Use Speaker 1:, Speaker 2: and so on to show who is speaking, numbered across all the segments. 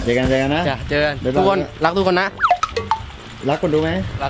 Speaker 1: เจอกันนะ
Speaker 2: เจอกันทุกคนรักทุกคนนะ
Speaker 1: รักคนดูไหม
Speaker 2: รัก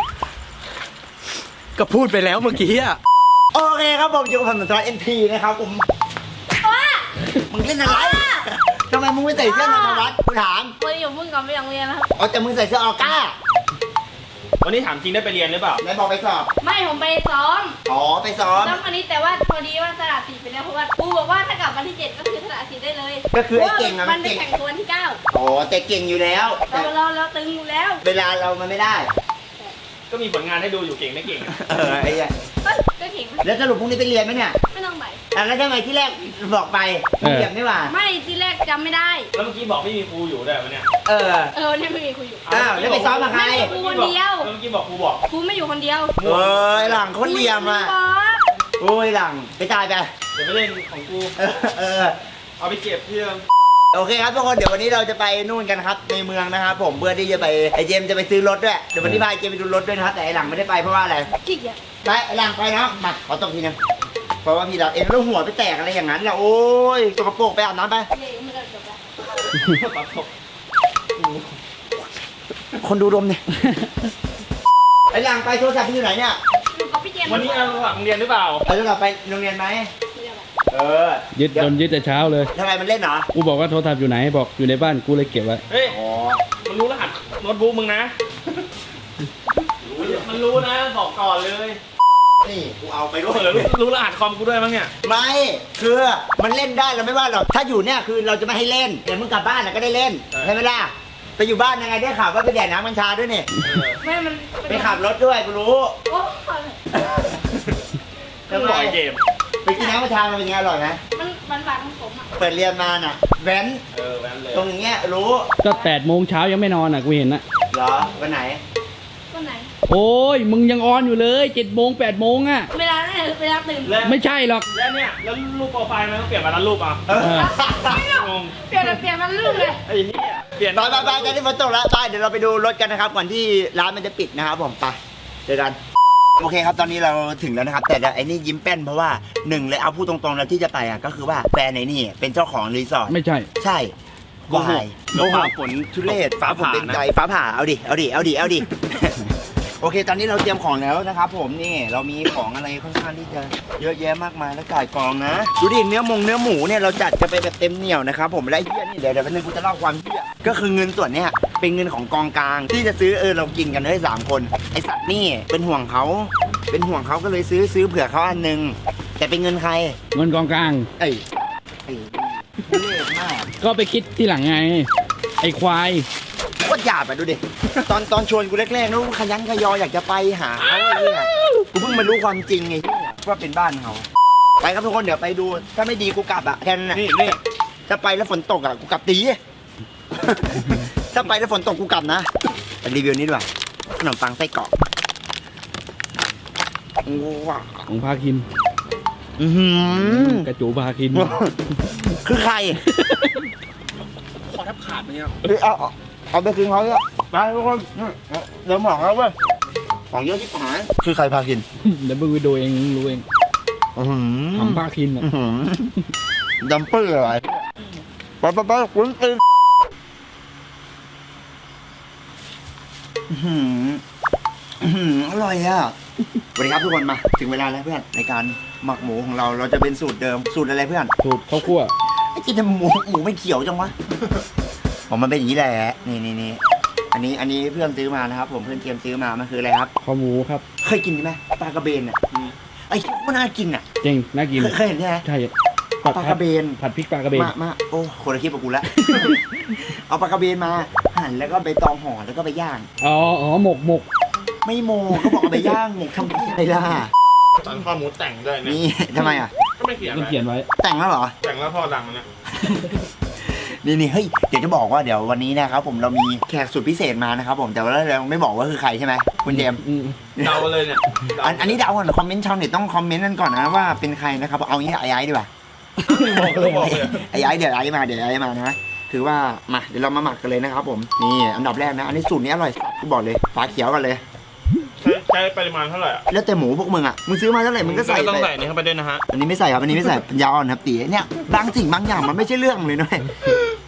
Speaker 2: ก็พูดไปแล้วเมื่อกี้อะ
Speaker 1: โอเคครับผมอยู่กับผมตัวNTนะครับผมมึงเล่นอะไรทำไมมึงไม่ใส่เสื้อนวัดกูถาม
Speaker 3: วันนี้อยู่มึงก่อนไปโรงเรียนนะครับ
Speaker 1: อ๋อแต่มึงใส่เสื้อออก้า
Speaker 4: วันนี้ถามจริงได้ไปเรียนหรือเปล่า
Speaker 1: ไหนบอกไปสอบ
Speaker 3: ไม่ผมไปซ้อม
Speaker 1: อ๋อไปซ้อม
Speaker 3: วันนี้แต่ว่าพอดีว่าสละสิทธิ์ไปแล้วเพราะว่าครูบอกว่าถ้ากลับวันที่7ก็คือสละสิทธิ์ได้เลย
Speaker 1: ก็คือไอ้เก่งอะ
Speaker 3: มันไปแข่งตัวที่9
Speaker 1: อ๋อแต่เก่งอยู่แล้ว
Speaker 3: เราตึงอยู่แล้ว
Speaker 1: เวลาเรามันไม่ได้
Speaker 4: ก็มีผลงานให้ดูอยู่เก่งไม่เก่ง
Speaker 1: ไอ้เนี่ย
Speaker 3: ก็เก่ง
Speaker 1: แล้วสรุปพรุ่งนี้ไปเรียนไหมเนี่ย
Speaker 3: ไม่ต้องไป
Speaker 1: แล้วทำไมที่แรกบอกไปเรียนไม่ว่า
Speaker 3: ไม่ที่แรกจำไม่ได้
Speaker 4: แล้วเมื่อกี้บอกไม่มีครูอยู่ด้วยวันเนี้ย
Speaker 3: เนี่ยไม่มีครูอยู่
Speaker 1: อ้าวแล้วไปซ้อมกับใคร
Speaker 3: ครูคนเดียว
Speaker 4: เมื่อกี้บอกครูบอก
Speaker 3: ครูไม่อยู่คนเดียว
Speaker 1: หลังคนเลียมอ่ะโอ้ยหลังไปตายไป
Speaker 4: เดี๋ยวไปเล่นของกูเอาไปเก็บเพื่อน
Speaker 1: โอเคครับทุกคนเดี๋ยววันนี้เราจะไปนู่นกันครับในเมืองนะครับผมเพื่อที่จะไปไอเจมจะไปซื้อรถด้วยเดี๋ยววันนี้พาไอเจมไปดูรถด้วยนะครับแต่ไอหลังไม่ได้ไปเพราะว่าอะไร
Speaker 3: ขี้เกียจ
Speaker 1: ไปไอหลังไปนะมาขอตบทีนึงเพราะว่าพี่เราเองแล้วหัวไปแตกอะไรอย่างนั้นแหละโอ้ยสกปรกไปอาบน้ำไปคนดูดมเนี่ยไอหลังไปโทรศัพท์พี่อยู่ไหนเนี่ย
Speaker 4: วันนี้เราหลังเรียนหรือเปล่า
Speaker 1: โทรศัพท์ไปโรงเรียนไหม
Speaker 5: ยึดแต่เช้าเลย
Speaker 1: ทำไมมันเล่นเหรอ
Speaker 5: กูบอกว่าโทรศัพท์อยู่ไหนบอกอยู่ในบ้านกูเลยเก็บไว้
Speaker 4: เฮ้ยมันรู้รหัสโน้ตบุ๊กมึงนะมันรู้นะบอกก่อนเลย
Speaker 1: นี่กูเอาไปด้วย
Speaker 4: รู้รหัสคอมกูด้วยมั้งเนี่ย
Speaker 1: ไม่คือมันเล่นได้เราไม่ว่าหรอกถ้าอยู่เนี่ยคือเราจะไม่ให้เล่นแต่มึงกลับบ้านก็ได้เล่นใช่ไหมล่ะไปอยู่บ้านยังไงได้ข่าวว่าไปแดดน้ำกัญชาด้วยนี่
Speaker 3: ไม่มัน
Speaker 1: ไปขับรถด้วยกูรู้
Speaker 4: แล้วปล่อยเกม
Speaker 1: ไปกินน้ำกัญชามันเป็นไงอร่อยไหม
Speaker 3: มันหวานของผมอ่ะ
Speaker 1: เปิดเรียนมาน่ะแว้น
Speaker 4: เลย
Speaker 1: ตรงอย่างเงี้ยรู้
Speaker 5: ก็8 โมงเช้ายังไม่นอนอ่ะกูเห็นนะ
Speaker 1: เหรอวันไหน
Speaker 5: โอ้ยมึงยังออนอยู่เลย7 โมง 8 โมงอ่ะ
Speaker 3: เวลาตื่น
Speaker 5: ไม่ใช่หรอก
Speaker 4: แล้วเนี่ยแล้วรูปโปรไฟล์มันต้องเปลี่ยนมาแล้วรูปอ่ะ
Speaker 3: งงเปลี่ยนมันรูปเลย
Speaker 4: ไอ้เหี้ยเปลี่ยน
Speaker 1: ไปจะได้ฝนตกแล้วไปเดี๋ยวเราไปดูรถกันนะครับก่อนที่ร้านมันจะปิดนะครับผมไปเจอกันโอเคครับตอนนี้เราถึงแล้วนะครับแต่ไอ้นี่ยิ้มแป้นเพราะว่าหนึ่งเลยเอาพูดตรงๆแล้วที่จะไปอ่ะก็คือว่าแฟนไอ้นี่เป็นเจ้าของรีสอร์ท
Speaker 5: ไม่ใช่
Speaker 1: วายฟ้าฝนทุเรศฟ้าฝนเป็นใจฟ้าผ่าเอาดิโอเคตอนนี้เราเตรียมของแล้วนะครับผมนี่เรามีของอะไรค่อนข้างที่จะเยอะแยะมากมายแล้วจ่ายกองนะดูดิเนื้อหมูเนี่ยเราจัดจะไปแบบเต็มเหนียวนะครับผมและเหี้ยนี่เดี๋ยวแป๊บนึงกูจะเล่าความเหี้ยก็คือเงินส่วนเนี้ยเป็นเงินของกองกลางที่จะซื้อเรากินกันได้3 คนไอสัตว์นี่เป็นห่วงเขาก็เลยซื้อเผื่อเขาอันนึงแต่เป็นเงินใคร
Speaker 5: เงินกองกลาง
Speaker 1: เล่มาก
Speaker 5: ก็ไปคิดที่หลังไงไอควาย
Speaker 1: ก็หยาบไปดูดิตอนชวนกูแรกๆนู้ขยันขยออยากจะไปหาเขาไอ้เนี่ยกูเพิ่งมารู้ความจริงไงว่าเป็นบ้านเขาไปครับทุกคนเดี๋ยวไปดูถ้าไม่ดีกูกลับอ่ะแค่นั้น
Speaker 4: นี่
Speaker 1: ถ้าไปแล้วฝนตกอ่ะกูกลับตีถ้าไปแล้วฝนตกกูกลับนะรีวิวนี้ด้วยขนมปังไส้กรอก
Speaker 5: ของพาคินกระจูพาคิน
Speaker 1: คือใคร
Speaker 4: คอแทบขาดเนี่ย
Speaker 1: เอาไปคืนเขาเถอะไปทุกคนเดี๋ยวหมอกแล้วเว้ยของเยอะที่หายคือใครพาคิน
Speaker 5: เดี๋ยวมึงไปดูเองรู้เองทำพาคิน
Speaker 1: ดัมเปอร์อะไรไปคุณตีอร่อยอ่ะสวัสดีครับทุกคนมาถึงเวลาแล้วเพื่อนในการหมักหมูของเราจะเป็นสูตรเดิมสูตรอะไรเพื่อน
Speaker 5: สูตรข้าวคั่ว
Speaker 1: ไอ้กินแต่หมูไม่เขียวจังวะผมมันเป็นอย่างนี้แหละนี่อันนี้เพื่อนซื้อมานะครับผมเพื่อนเตรียมซื้อมามันคืออะไรครับ
Speaker 5: ข้าวหมูครับ
Speaker 1: เคยกินไหมปลากระเบนอ่ะไอ้มันน่ากินอ่ะ
Speaker 5: จริงน่ากิน
Speaker 1: เคยเห็นใช่ไหม
Speaker 5: ใช่
Speaker 1: ปลากระเบน
Speaker 5: ผัดพริกปลากระเบน
Speaker 1: มาโอ้คนละคลิปกับกูละเอาปลากระเบนมาหั่นแล้วก็ไปตองห่อแล้วก็ไปย่าง
Speaker 5: อ๋อหมก
Speaker 1: ไม่โมเขาบอกเอาไปย่างหมกทำอะไรล่ะ
Speaker 4: ตอนข้อมูลแต่งด้วย
Speaker 1: นี่ทำไมอ่ะ
Speaker 4: ก็ไม่เขียน
Speaker 5: ไว้
Speaker 1: แต่งแล้วเหรอ
Speaker 4: แต่งแล้วพ่อดังมันเนี่ย
Speaker 1: นี่เฮ้ยเดี๋ยวจะบอกว่าเดี๋ยววันนี้นะครับผมเรามีแขกสุดพิเศษมานะครับผมแต่ว่าเราไม่บอกว่าคือใครใช่ไหมคุณเจม
Speaker 4: เดาเลยเนี่ย
Speaker 1: อันนี้เดาก่อนคอมเมนต์ชาวเน็ตต้องคอมเมนต์กันก่อนนะว่าเป็นใครนะครับเอางี้ไอ้ดีกว่าไอ้เดี๋ยวไอ้มานะคือว่ามาเดี๋ยวเรามาหมักกันเลยนะครับผมนี่อันดับแรกนะอันนี้สูตรนี้อร่อยกูบอกเลยฝาเขียวกันเลย
Speaker 4: ใช้ปริมาณเท่าไหร่อ่ะ
Speaker 1: แล้วแต่หมูพวกมึงอ่ะมึงซื้อมาเท่าไหร่มึงก็ใส่
Speaker 4: ต้องใส่นี่เข้าไปด้วยนะฮะ
Speaker 1: อันนี้ไม่ใส่ครับอันนี้ไม่ใส่ปัญญาอ่อนครับตีเนี่ยบางสิ่งบางอย่างมันไม่ใช่เรื่องเลยนะ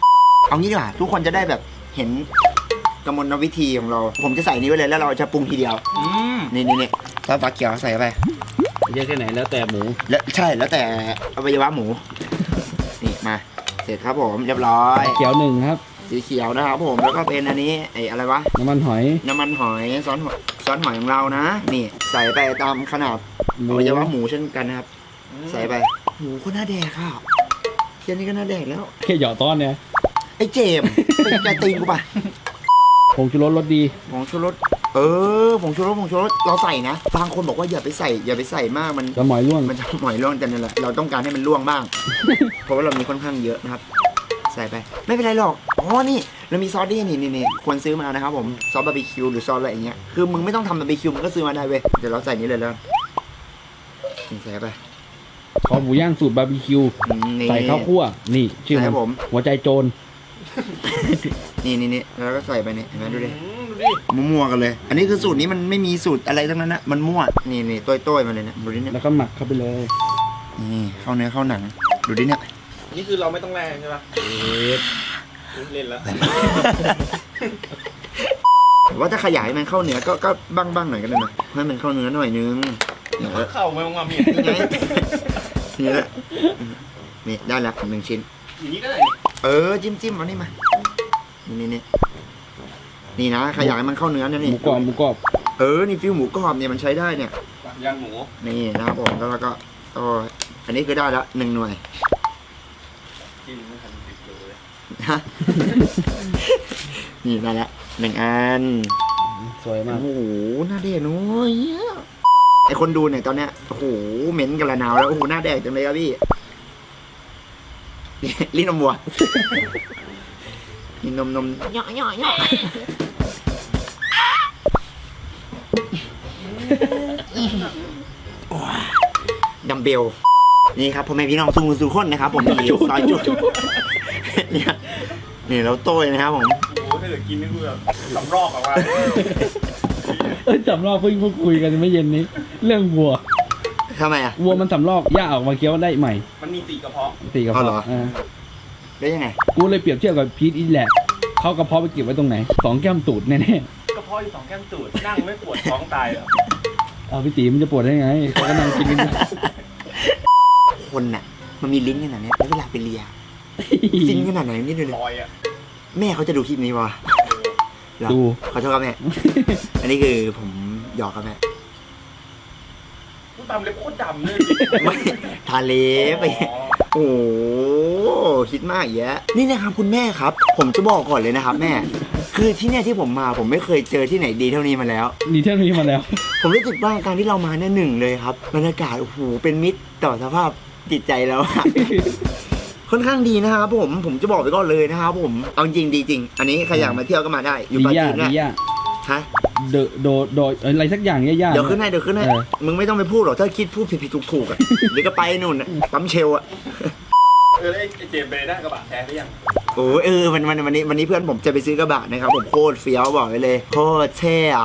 Speaker 1: เอางี้ดีกว่าทุกคนจะได้แบบเห็นกระมวลวิธีของเรา ผมจะใส่นี้ไว้เลยแล้วเราจะปรุงทีเดียวนี่ซอสฟ้าเขียวใส่ไป
Speaker 5: เยอะแค่ไหนแล้วแต่หมู
Speaker 1: แล้วใช่แล้วแต่อวัยวะหมูนี่มาเสร็จครับผมเรียบร้อย
Speaker 5: เขียวหนึ่งครับ
Speaker 1: สีเขียวนะครับผมแล้วก็เป็นอันนี้ไอ้อะไรวะ
Speaker 5: น้ำมันหอย
Speaker 1: น้ำมันหอยซอสหอยของเรานะนี่ใส่ไปตามขนาด
Speaker 5: หมู
Speaker 1: อวัยวะหมูเช่นกันนะครับใส่ไปหมูก็น่าแดกค่ะเทียนนี้ก็น่าแดกแล้ว
Speaker 5: แค่หยอดต้อนเนี่ย
Speaker 1: ไอ้เจมส์เป็นใจตีนกูป่ะ
Speaker 5: ผงชูรสรสดี
Speaker 1: ผงชูรสผงชูรสเราใส่นะบางคนบอกว่าอย่าไปใส่มากมัน
Speaker 5: จะหมอยร่วง
Speaker 1: มันจะหมอยร่วงแต่นั่นแหละเราต้องการให้มันร่วงบ้าง เพราะว่าเรามีค่อนข้างเยอะนะครับ ใส่ไปไม่เป็นไรหรอกอ๋อนี่เรามีซอสนี่ควรซื้อมานะครับผมซอสบาร์บีคิวหรือซอสอะไรอย่างเงี้ยคือมึงไม่ต้องทำบาร์บีคิวมึงก็ซื้อมาได้เว้ยเดี๋ยวเราใส่นี้เลยแล้วนี่ใส่ไป
Speaker 5: คอหมูย่างสูตรบาร์บีคิว
Speaker 1: นี่
Speaker 5: ใส่ข้าวคั่ว นี่ชื่อ
Speaker 1: ใช่ครับผม
Speaker 5: หัวใจโจร
Speaker 1: นี่แล้วก็ใส่ไปเนี่ยเห็นไหมดูดิมั่วๆกันเลย อันนี้คือสูตรนี้มันไม่มีสูตรอะไรทั้งนั้นนะมันมั่วนี่ต้อยๆมาเลยเนี่ยดูดิเนี่ย
Speaker 5: แล้วก็หมักเข้าไปเลย
Speaker 1: นี่เข้าเนื้อเข้าหนังดูดิเนี่ย
Speaker 4: นี่คือเราไม่ต้องแรงใช่ปะเล่นแล้ว
Speaker 1: แต่ว่าถ้าขยายมันเข้าเนื้อก็บ้างหน่อยก็ได้นะให้มันเข้าเนื้อหน่อยนึงเนี่ย
Speaker 4: เข้าไม่ต้องมาเมีย
Speaker 1: นี่แหละนี่ได้ละ1 ชิ้น
Speaker 4: อย่างนี้ก็ได้
Speaker 1: จิ้มเอานี่มานี่นะขยายมันเข้าเนื้อนะ
Speaker 5: ห
Speaker 1: นี่
Speaker 5: มูกรอบ
Speaker 1: นี่ฟิวหมูกรอบเนี่ยมันใช้ได้เนี่ย
Speaker 4: ย่างหมู
Speaker 1: นี่นะครับผมแล้วเราก็อันนี้คือได้ละ1 หน่วย
Speaker 4: กินไม่ทันติดเลย
Speaker 1: ฮะ นี่ได้ละ1 อัน
Speaker 5: สวยมาก
Speaker 1: โอ้โหหน้าแดกน้อยไอคนดูเนี่ยตอนเนี้ยโอ้โหเหม็นกระนาวแล้วโอ้โหหน้าแดกจังเลยครับพี่ลิ้นนมวัวนี่นมย่อดัมเบลนี่ครับพ่อแม่พี่น้องสู่คนนะครับผมมีซอยจุดนี่เราโต้ยนะครับผม
Speaker 4: โอ้โหถ้าเกิดกินนี่คือแบบสำรอกอะว่า
Speaker 5: สำรอกเพิ่งคุยกันไม่เย็นนี้ เรื่องวัว
Speaker 1: ทำไมอ่ะ
Speaker 5: วัวมันสำรอกย่าออกมาเคี้ยวได้ใหม่
Speaker 4: มันมี4 กระเพาะ
Speaker 5: ตีกระ
Speaker 1: เอาเหรอ
Speaker 5: เพาะ
Speaker 1: ได้ยังไง
Speaker 5: กูเลยเปรียบเทียบกับพีทอีแหละเขากระเพาะไปเก็บไว้ตรงไหน2 แก้มตูดแน่
Speaker 4: กระเพาะอยู่2 แก้มตูดนั่งไม่ปวดท้องตายเหรอ
Speaker 5: ๆเอาพี่ตีมันจะปวดได้ไงเขาก็นั่งกินกันอยู่
Speaker 1: คนน่ะมันมีลิ้นขนาดนี้แล้วเวลาไปเลียฟินขนาดไหนนี่ดูเลย
Speaker 4: ลอยอะ
Speaker 1: แม่เขาจะดูคลิปนี้วะเหรอ
Speaker 5: ดู
Speaker 1: ขอโทษครับแม่ อันนี้คือผมหยอกครับแม่
Speaker 4: กูตามเล็บโคตรดำเลย
Speaker 1: ไม่ทาเล็บไปโอ้โหคิดมากแยะนี่นะครับคุณแม่ครับ ผมจะบอกก่อนเลยนะครับแม่ คือที่เนี่ยที่ผมมาผมไม่เคยเจอที่ไหนดีเท่านี้มาแล้ว
Speaker 5: นี่เท่านี้มาแล้ว
Speaker 1: ผมรู้สึกว่าการที่เรามาเนี่ยหนึ่งเลยครับบรรยากาศโอ้โหเป็นมิตรต่อสภาพจิตใจแล้วอะ ค่อนข้างดีนะครับผมจะบอกไปก่อนเลยนะครับผมเอาจริงดีจริง อันนี้ใครอยากมาเที่ยวก็มาได้อยู่ปราจีน
Speaker 5: ดี
Speaker 1: เนี่ย
Speaker 5: ย่า
Speaker 1: ฮะ
Speaker 5: โดอะไรสักอย่างย่าๆ
Speaker 1: เดี๋ยวขึ้นให้
Speaker 5: เออ
Speaker 1: มึงไม่ต้องไปพูดหรอกถ้าคิดพูดผิดๆถูกๆอ่ะเดี๋ยวก็ไปนู่นน่ะปั๊มเชลอ่ะ
Speaker 4: แล้วไอ้เจมส์ไปได้กระบะแท้หรือยัง
Speaker 1: โอ้วันนี้เพื่อนผมจะไปซื้อกระบะนะครับผมโคตรเฟี้ยวบอกไว้เลยโคตรเท่อะ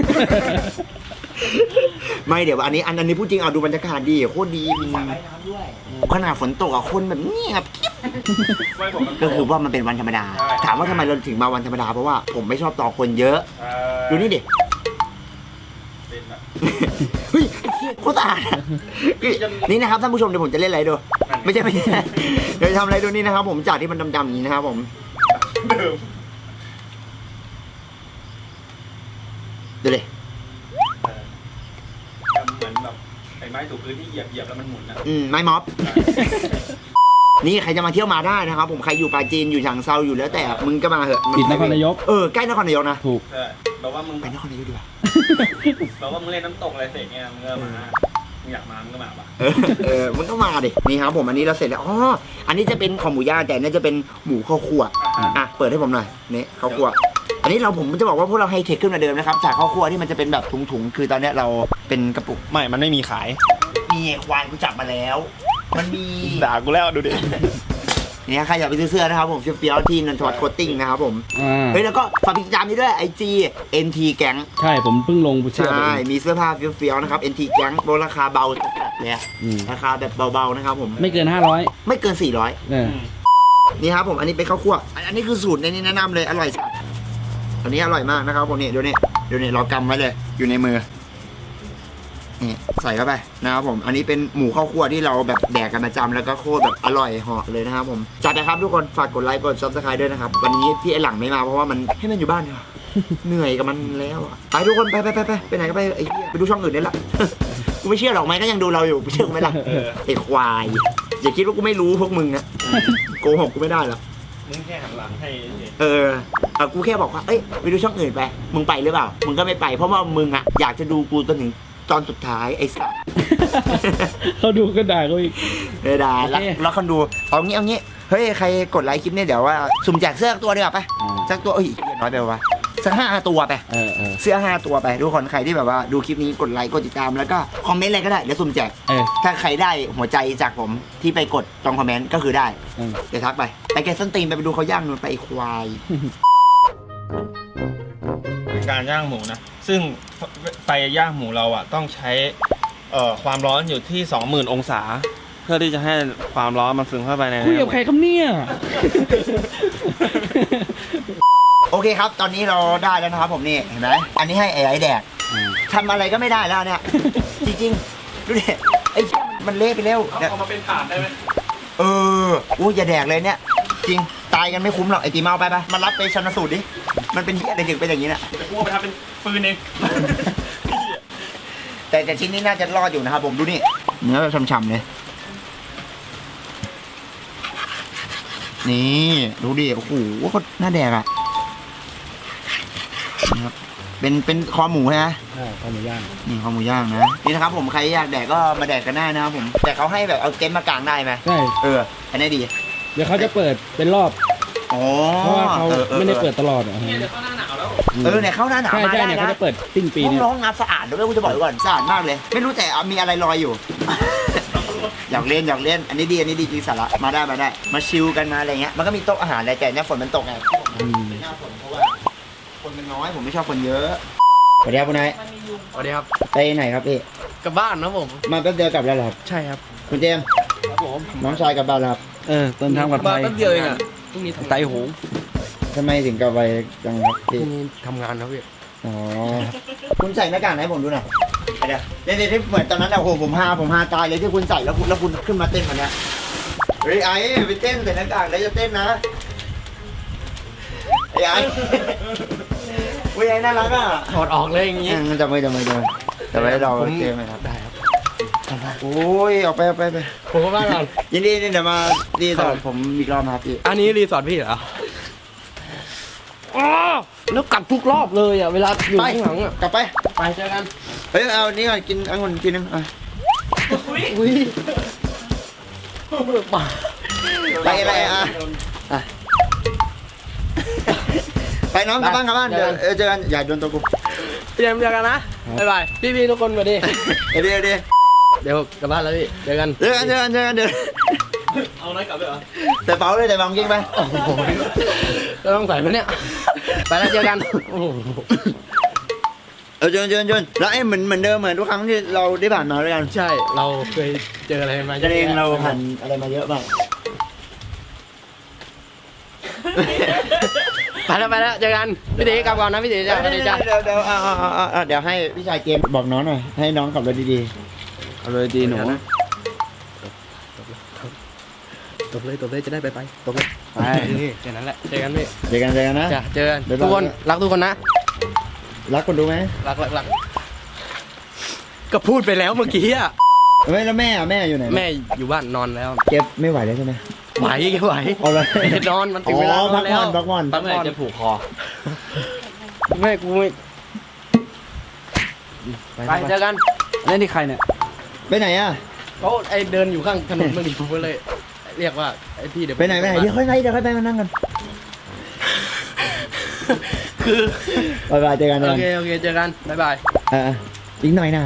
Speaker 1: ไม่เดี๋ยวอันนี้พูดจริงเอาดูบรรยากาศดีโคตรดีมีสระว่ายน้ำด้วยขนาดฝนตกอะคนแบบเงียบ
Speaker 4: ไม่ผมมัน
Speaker 1: ก็คือว่ามันเป็นวันธรรมดา
Speaker 4: ใช่
Speaker 1: ถามว่าทำไมเราถึงมาวันธรรมดาเพราะว่าผมไม่ชอบต่อคนเยอะ ดูนี่ดิ
Speaker 4: เป็นแบบ
Speaker 1: เฮ้ยโคตรสะอาดอะนี่นะครับท่านผู้ชมเดี๋ยวผมจะเล่นอะไรดูไม่ใช่ เดี๋ยวจะทำอะไรดูนี่นะครับผมจากที่มันดำๆอย่างนี้นะครับผม
Speaker 4: เดิม
Speaker 1: ดูเลย
Speaker 4: เหมือนแบบไอ้ไม้ถูพื้นที่เหยียบแล้วมันหมุนอะ
Speaker 1: ไม้ม็อบ นี่ใครจะมาเที่ยวมาได้นะครับผมใครอยู่ปราจีนอยู่ฉางเซาอยู่แล้วแต่มึงก็มาเหอะ
Speaker 5: ติดนครนายก
Speaker 1: ใกล้นครนายกนะ
Speaker 5: ถูก
Speaker 4: ใช่แบบว่ามึง
Speaker 1: ไปนครนายกดีกว่า
Speaker 4: แบบว่ามึงเล่นน้ำตกอะไรเสร็จเนี่ยมึงก็มามึงอยากมามึงก็มาปะ
Speaker 1: มึงก็มาดินี่ครับผมอันนี้เราเสร็จแล้วอ๋ออันนี้จะเป็นของหมูย่างแต่อันนี่จะเป็นหมูข้าวคั่วอ่ะเปิดให้ผมหน่อยนี่ข้าวคั่วอันนี้ผมจะบอกว่าพวกเราไฮเทคขึ้นมาเดิมนะครับจากข้าวคั่วที่มันจะเป็นแบบถุงๆคือตอนเนี้ยเราเป็นกระปุก
Speaker 4: ไม่มันไม่มีขาย
Speaker 1: มีควายกูจับมาแล้ว มันมี
Speaker 4: ด่ากูแล้วดูดิ
Speaker 1: เนี่ยใครอยากไปซื้อเสื้อนะครับผมเฟี้ยวๆที่นันทวัฒน์โคตติ้งนะครับผม เฮ้ยแล้วก็ฝากติดตามนี้ด้วย IG NT แก๊ง
Speaker 5: ใช่ผมเพิ่งลงเชื่อไป
Speaker 1: ใช่
Speaker 5: เอง
Speaker 1: มีเสื้อผ้าเฟี้ยวๆนะครับ NT แก๊งราคาเบาจัดเลยอะ
Speaker 5: อืม
Speaker 1: ราคาแบบเบาๆนะครับผม
Speaker 5: ไม่เกิน500
Speaker 1: ไม่เกิน 400
Speaker 5: เออ
Speaker 1: นี่ครับผมอันนี้เป็นข้าวคั่วอันนี้คือสูตรในนี้แนะนำเลยอร่อยอันนี้อร่อยมากนะครับผมนี่เดี๋ยวนี้เรากำไว้เลยอยู่ในมือนี่ใส่เข้าไปนะครับผมอันนี้เป็นหมูข้าวคั่วที่เราแบบแดกกันประจำแล้วก็โคตรแบบอร่อยเหาะเลยนะครับผมจัดนะครับทุกคนฝากกดไลค์กด Subscribe ด้วยนะครับวันนี้พี่ไอหลังไม่มาเพราะว่ามันให้มันอยู่บ้านเนี่ยเหนื่อยกับมันแล้วอะไปทุกคนไปไหนก็ไปไอ้เหี้ยไปดูช่องอื่นได้ละ กูไม่เชื่อหรอกไหมก็ยังดูเราอยู่เชื่อกูไหมล่ะไอ้ควายอย่าคิดว่ากูไม่รู้พวกมึงนะโกหกกูไม่ได้หรอก
Speaker 4: มึงแค่หันหลังให้
Speaker 1: กูแค่บอกว่าเอ้ยไปดูช่องอื่นไปมึงไปหรือเปล่ามึงก็ไม่ไปเพราะว่ามึงอะอยากจะดูกูจนถึงตอนสุดท้ายไอ้สัส
Speaker 5: เขาดูก็ด่าเขาอีก
Speaker 1: ด่าแล้วคนดูเอางี้เฮ้ยใครกดไลค์คลิปนี้เดี๋ยวว่าสุ่มแจกเสื้อตัวดีกว่าไปสักตัวน้อยไปวะสัก5 ตัวไปเสื้อ5 ตัวไปทุกคนใครที่แบบว่าดูคลิปนี้กดไลค์กดติดตามแล้วก็คอมเมนต์อะไรก็ได้เดี๋ยวสุ่มแจกถ้าใครได้หัวใจจากผมที่ไปกดตรงคอมเมนต์ก็คือได้เดี๋ยวทักไปแกส้นตีนไปดูเขาย่างนู่นไปควาย
Speaker 4: เป็นการย่างหมูนะซึ่งไฟย่างหมูเราอ่ะต้องใช้ความร้อนอยู่ที่ 20,000 องศาเพื่อที่จะให้ความร้อนมันซึมเข้าไปใน
Speaker 5: คุยกับใครครับเนี่ย
Speaker 1: โอเคครับตอนนี้เราได้แล้วนะครับผมนี่เห็นไหมอันนี้ให้ไอ้แดกทำอะไรก็ไม่ได้แล้วเนี่ยจริงๆดูดิไอ้มันเละไปแล้ว
Speaker 4: เอามาเป็นถาดได้ไหม
Speaker 1: อย่าแดกเลยเนี่ยจริงตายกันไม่คุ้มหรอกไอ้ตีเมาไปมารับไปชันสูตรดิมันเป็นเหี้ยอะไรถึงเป็นอย่างนี้น่ะ
Speaker 4: จะพูดไปทำเป็นฟืนเอง
Speaker 1: แต่ชิ้นนี้น่าจะรอดอยู่นะครับผมดูนี่เนื้อแบบฉ่ำๆเลยนี่ดูดิโอ้โหก็น่าแดกอ่ะนะครับเป็นคอหมูใช่ไหม
Speaker 5: คอหมูย่าง
Speaker 1: นี่คอหมูย่างนะนี่นะครับผมใครอยากแดกก็มาแดกกันได้นะครับผมแต่เขาให้แบบเอาเต็นท์มากางได้ไหม
Speaker 5: ใช่
Speaker 1: อันนี้ดี
Speaker 5: เดี๋ยวเขาจะเปิดเป็นรอบเพราะว่าเขาไม่ได้เปิดตลอด
Speaker 4: เนี่ยเดี๋ยวเข้าหน้าหนาวแล้ว
Speaker 1: เนี่ยเข้าหน้าหนาวมาได้นะ
Speaker 5: เขาจะเปิดสิ้นปีนี้
Speaker 1: ร้องน้ำสะอาดด้วยกูจะบอกก่อนสะอาดมากเลยไม่รู้แต่มีอะไรลอยอยู่ อยากเล่นอันนี้ดีจริงสาระมาได้มาชิลกันมาอะไรเงี้ยมันก็มีโต๊ะอาหารอะไรแต่เนี่ยฝนมันตกไงหน้าฝนเพราะว่าคนมันน้อยผมไม่ชอบคนเยอะสวัสดีครับคุณนาย
Speaker 2: สวัสดีครับ
Speaker 1: ไปไหนครับพี่
Speaker 2: กลับบ้านนะผม
Speaker 1: มาแป๊บเดียวกลับแล้วเหรอครับ
Speaker 2: ใช่ครับ
Speaker 1: คุณเจมส์
Speaker 2: ครับผม
Speaker 1: น้องชายกลับบ้านแล้วครับ
Speaker 5: เดินทางปลอดภัย
Speaker 2: แป๊บเดียวเองอ่ะพรุ่งนี้ไต่หง
Speaker 1: ทำไมถึงกลับไปจังครับ
Speaker 2: พรุ่งนี้ทำงานนะพี่
Speaker 1: คุณใส่หน้ากากให้ผมดูหน่อยเดี๋ยวที่เหมือนตอนนั้นโอ้โหผมฮาตายเลยที่คุณใส่แล้วคุณขึ้นมาเต้นแบบนี้เฮ้ยไอ้ไปเต้นใส่หน้ากากแล้วจะเต้นนะไอ้วิ่งน่ารักอ่ะ
Speaker 2: ถอดออกเลยอย่างงี้
Speaker 1: จะไม่เราเจมไหมครับ
Speaker 2: ได้ครับ
Speaker 1: โอ้ยออกไป
Speaker 2: ผมก็บ้านก่อน
Speaker 1: ยินดีเดี๋ยวมารีสอร์ทผมอีกรอบครับพี่
Speaker 2: อันนี้รีสอร์ทพี่เหรอแล้วกลับทุกรอบเลยอ่ะเวลาอยู่ข้างหลังอ่ะ
Speaker 1: กลับไป
Speaker 2: เจอกัน
Speaker 1: เฮ้ยเอานี่ก่อนกินองุ่นกินนึง
Speaker 2: อุ้ย
Speaker 1: ไปอะไรไปน้องกลับบ้านเดี๋ยวเจอกันอย่าโดนตัวกู
Speaker 2: เจอกันนะบ๊ายบายพี่ทุกคนสวัสดี
Speaker 1: เดี๋ยว
Speaker 2: กลับบ้านแล้วพี่เจอกัน
Speaker 1: เดี๋ยว
Speaker 4: เอาไหนกลับเลยเหรอ
Speaker 1: แต่เป๋าเลยแต่บางกิ้งไป
Speaker 2: ต้องใส่ไหมเนี่ยไปแล้วเจอกัน
Speaker 1: เจอแล้วเหมือนเดิมเหมือนทุกครั้งที่เราได้ผ่านมาด้วยกัน
Speaker 2: ใช่เราเคยเจออะไรมา
Speaker 1: เองเราผ่านอะไรมาเยอะมาก
Speaker 2: ไปแล้วเจอกันพี่ตีกลับก่อนนะพี่ตีจ้าเ
Speaker 1: ดี๋ยวให้พี่ชายเกมบอกน้องหน่อยให้น้องขับรถดี
Speaker 5: ขับรถดีหนู
Speaker 2: ตบเลยจะได้ไปตบเลย
Speaker 5: ไปแค่นั้นแหละ
Speaker 2: เจอกันพี่
Speaker 1: เจอกันนะ
Speaker 2: เจอกันทุกคนรักทุกคนนะ
Speaker 1: รักคนดูไหม
Speaker 2: รักก็พูดไปแล้วเมื่อกี้อ่ะ
Speaker 1: ไม่แล้วแม่อยู่ไหน
Speaker 2: แม่อยู่บ้านนอนแล้ว
Speaker 1: เก็บไม่ไหวแล้วใช่ไหม
Speaker 2: ไหว
Speaker 1: เอาเลย
Speaker 2: นอนมันถึงเวลาแล้ว
Speaker 1: พักผ่อน
Speaker 2: จะผูกคอแม่กูไม่ไปเจอกัน
Speaker 5: นี่ใครเนี่ย
Speaker 1: ไปไหนอ่ะ
Speaker 2: เขาเดินอยู่ข้างถนนเมื่อกี้ผมก็เลยเรียกว่าไอ้พี่เดี๋ยว
Speaker 1: ไปไหนเดี๋ยวค่อยไปมานั่งกัน
Speaker 2: คือ
Speaker 1: บ๊ายบายเจอกัน
Speaker 2: โอเคเจอกันบ๊ายบาย
Speaker 1: อีกหน่อยนะ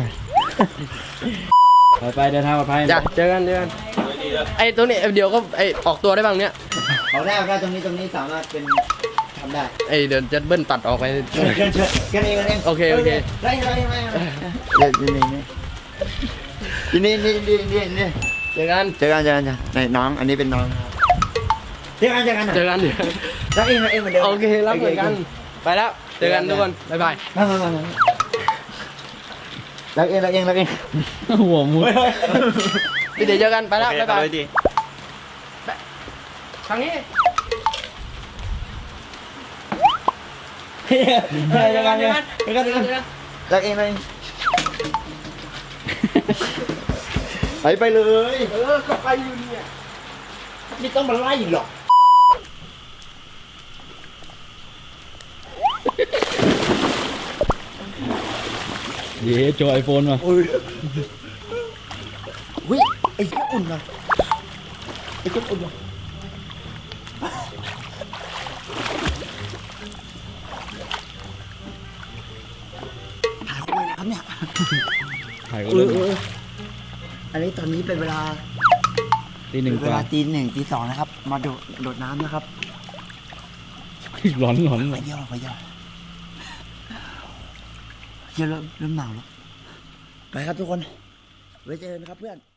Speaker 5: ไปเดินทางปลอดภัย
Speaker 2: จ้ะเจอกันไอ้ตัวนี้เดี๋ยวก็ออกตัวได้บ้างเนี้ย
Speaker 1: ออกได้ตรงนี้สามารถเป็นทำได้
Speaker 2: เดี๋ยวจะเบิ้ลตัดออกไป
Speaker 1: กันเอง
Speaker 2: โอเค
Speaker 1: ได้นี่เจอกันจ้ะน้องอันนี้เป็นน้องเจอกัน
Speaker 2: เจอกันเดี๋ยว
Speaker 1: รักเองเหมือนเดิม
Speaker 2: โอเครับเหมือนกันไปแล้วเจอกันทุกคนบ๊ายบาย
Speaker 1: มารักเอง
Speaker 5: หัวมุด
Speaker 2: พี่เดี๋ยวเจอกันไปแล้ว
Speaker 4: โอเค
Speaker 2: บ๊ายบาย
Speaker 4: ไปดี
Speaker 2: ทางนี้
Speaker 1: เจอกันรักเองไปเลย
Speaker 2: ก็ไปอยู่เนี่ย
Speaker 1: ไม่ต้องมาไล่หรอก
Speaker 5: เย้โจไอโฟนมา
Speaker 1: อุ้ยไอ้เจ้าอุ่นนะไอ้เจ้าอุ่นนะถ่ายคุยนะครับเนี่ย
Speaker 5: ถ่ายก็เลย
Speaker 1: อันนี้ตอนนี้เป็นเวลา
Speaker 5: ตีหนึ่ง
Speaker 1: เว
Speaker 5: กว่า
Speaker 1: ลาตี 1 ตี 2นะครับ มาโดดน้ำนะครับ
Speaker 5: ร้อน
Speaker 1: ไปเยี่ยวเริ่มหนาวแล้ว ไปครับทุกคน ไว้เจอกันครับเพื่อน